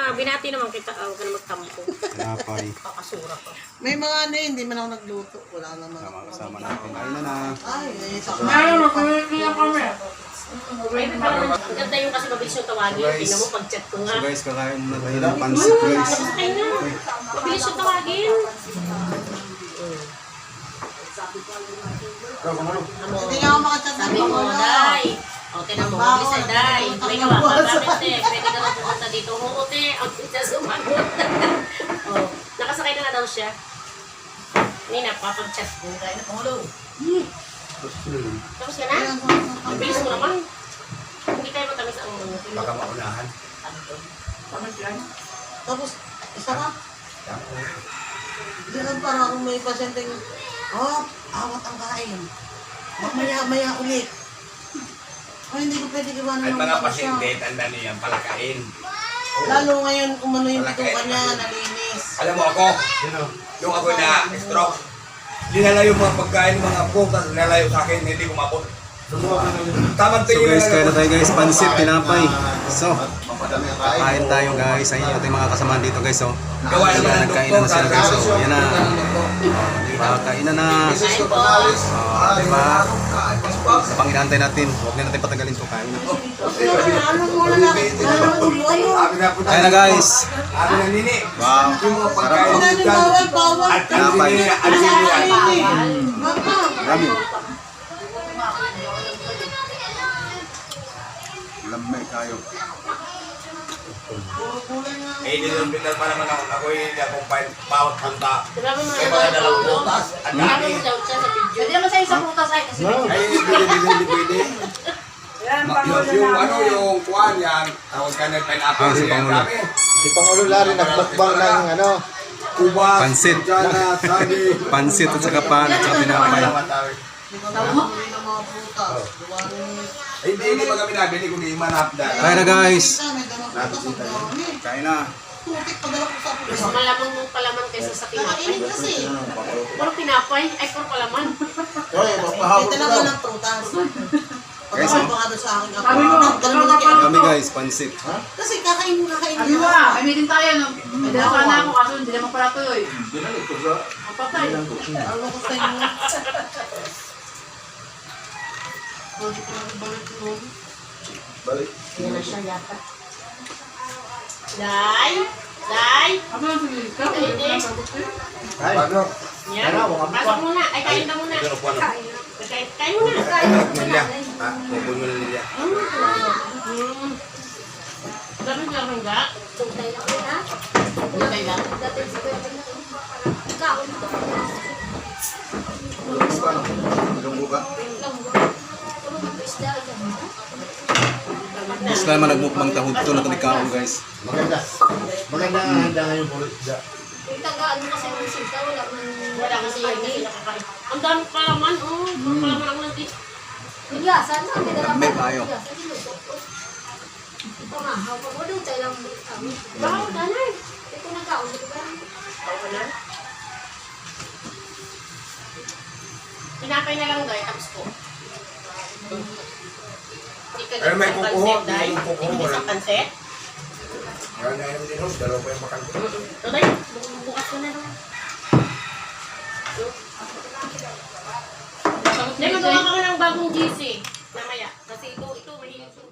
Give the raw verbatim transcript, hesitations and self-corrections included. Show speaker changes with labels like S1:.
S1: na, binati naman kita. Ah, huwag ka na magtampo.
S2: Tinapay.
S1: Kakasura ka.
S3: May mga ano eh, hindi man ako nagluto. Wala naman.
S2: Sama kasama natin. Ayun na na.
S3: Ay, eh, sa
S1: Meron, magkakakila kami. Ang ganda yung kasi mabilis yung tawagin. Tingnan mo, pag-chat ko nga.
S2: So guys, kakain muna tayo ng pansit guys.
S1: Tapos kayo na. Mabilis yung tawagin.
S3: Hindi nga ako makachat na
S1: Sabi mo, Day. O, tinan mo, mabilis ay Day. May gawa ka, bakit te? Pwede ka na pupunta dito. Oo, te. Ang siya sumagot. O, nakasakay na nga daw siya. Nina, papag-chat ko. Kaya na pangulo. Tapos ka na? Ang bilis mo naman. Hindi tayo matamis ang mga.
S4: Baka maunahan.
S3: Tapos, isa ka? Hindi lang parang kung may pasyenteng, oh, awat ang kain. Maya-maya ulit. Ay, hindi ko pwede iwanan
S4: At
S3: ng
S4: mga
S3: bata
S4: pasyente,
S3: siya.
S4: tanda niya, palakain.
S3: Lalo ngayon, umano yung bituka niya, nalinis.
S4: Alam mo ako, yung ako na stroke, linalayo mga pagkain ng mga po, tapos linalayo sa akin, hindi kumapot. Tamang
S2: So
S4: tingin
S2: guys,
S4: na
S2: kaya na
S4: lang.
S2: tayo guys, pansit, tinapay. So, kain tayo guys. Ayun yung ating mga kasamahan dito guys. So,
S4: Gawa naman
S2: ayan,
S4: ng
S2: nagkainan na sila guys. So,
S4: doktor.
S2: ayan na. Oh, diba? Kainan na.
S1: Kain po.
S2: Oh, diba? Pang inantay natin. Huwag na natin patagalin to. Kain na.
S3: Ano muna na, ano ulo, ano?
S4: Sabi na po
S2: Kain na guys.
S4: Sabi na nini.
S2: Wow.
S4: Yung mga pagkain
S3: Wala
S4: dyan.
S3: nang bawal, bawal.
S4: At ang sini, ang sini.
S3: Mama.
S2: Rami.
S5: Lamay kayo.
S4: Eh, dinilbitan pa naman ako. Ako hindi akong pahit. Bawat punta.
S1: Grabe mo
S4: May
S1: naman
S4: mga dalang
S1: ulo.
S4: butas. Ang
S1: Grabe
S4: dami.
S1: mo daw siya sa video.
S6: Pwede naman sa isang putas ay kasi
S4: Ay, hindi pwede, hindi pwede. Ma- Yung, yung ano, yung kuwan yan, tawag ka ng pineapple.
S2: Ah, si
S4: yan,
S2: Pangulo.
S4: dami.
S5: Si Pangulo Larry nagmukbang ng ano,
S4: Ubas,
S2: Pansit.
S4: Jana, sabi.
S2: Pansit at saka pan at saka tinapay.
S3: Tama? Ng mga prutas.
S4: Ay, hindi, hindi pa kami nabili kung di manap na.
S2: Kain na guys.
S3: May dalang prutas ang dami.
S2: Kain na.
S3: Putik, padala ko sa
S1: Mas
S3: prutas.
S1: malamang mong palaman kaysa sa tinapay.
S3: Kainin kasi.
S1: Puro tinapay. Ay, puro palaman.
S3: May dala ko ng prutas.
S2: Guys,
S3: Pagkakal
S2: oh.
S3: pa nga doon sa aking apo. Ganun mo na kaya.
S2: Kami guys, pansit.
S3: Kasi kakain mo, kakain
S6: Sabi
S3: mo.
S6: mo ah, may meeting tayo no. May dala sana ako kaso hindi naman pala tuloy. Ang patay.
S3: Ano ko sa inyo? Bakit ko nabalik yun?
S5: balik.
S1: Yan na siya yata. Day! Day!
S6: Ano yung sige ka?
S4: Ano?
S1: Yan. Pasok muna. Ay, kain ka muna.
S4: Ano po, ano?
S1: Kain, kain muna.
S4: Nilya. Ha? Pupul mo na nilya.
S1: Hmm. Dami nga rin ga.
S7: Tuntay lang yun, ha?
S1: Tuntay lang.
S7: Dati si Kuya Pino, ikaw, ito ko na.
S5: Lunggo ka.
S7: Tulog ang isda, yan, ha?
S2: Gusto naman nagmukbang tahudto na talikaon guys.
S5: Maganda. Maganda ang handa ngayon puro isda.
S7: Yung tagaan mo kasi ng sinta, wala man.
S1: Wala kasi yun kasi nakakain. Ang dami palaman, oh. Puro palaman ang nanti.
S7: Yung yasan, ang may dala
S2: May
S7: pa.
S2: payo.
S7: Yung yasan, niluto ko. Ito nga, hawak mo doon, tayo lang kami.
S1: Baka mo danay.
S7: Ito nagkaon, ito ba?
S1: Tao ka na. Tinapay na lang doy, tapos po. Hindi ka
S4: Pero may
S1: isang
S4: kukuha,
S1: pansit,
S4: may
S1: Day.
S4: kukuha,
S1: Hindi
S4: wala.
S1: isang pansit.
S4: Kaya na yung dinos, dalawa pa yung makan ko.
S1: Ito, Day. Bukas ko na naman. Day, magawa ka ng bagong G C. Mamaya. Kasi ito, ito, mahilig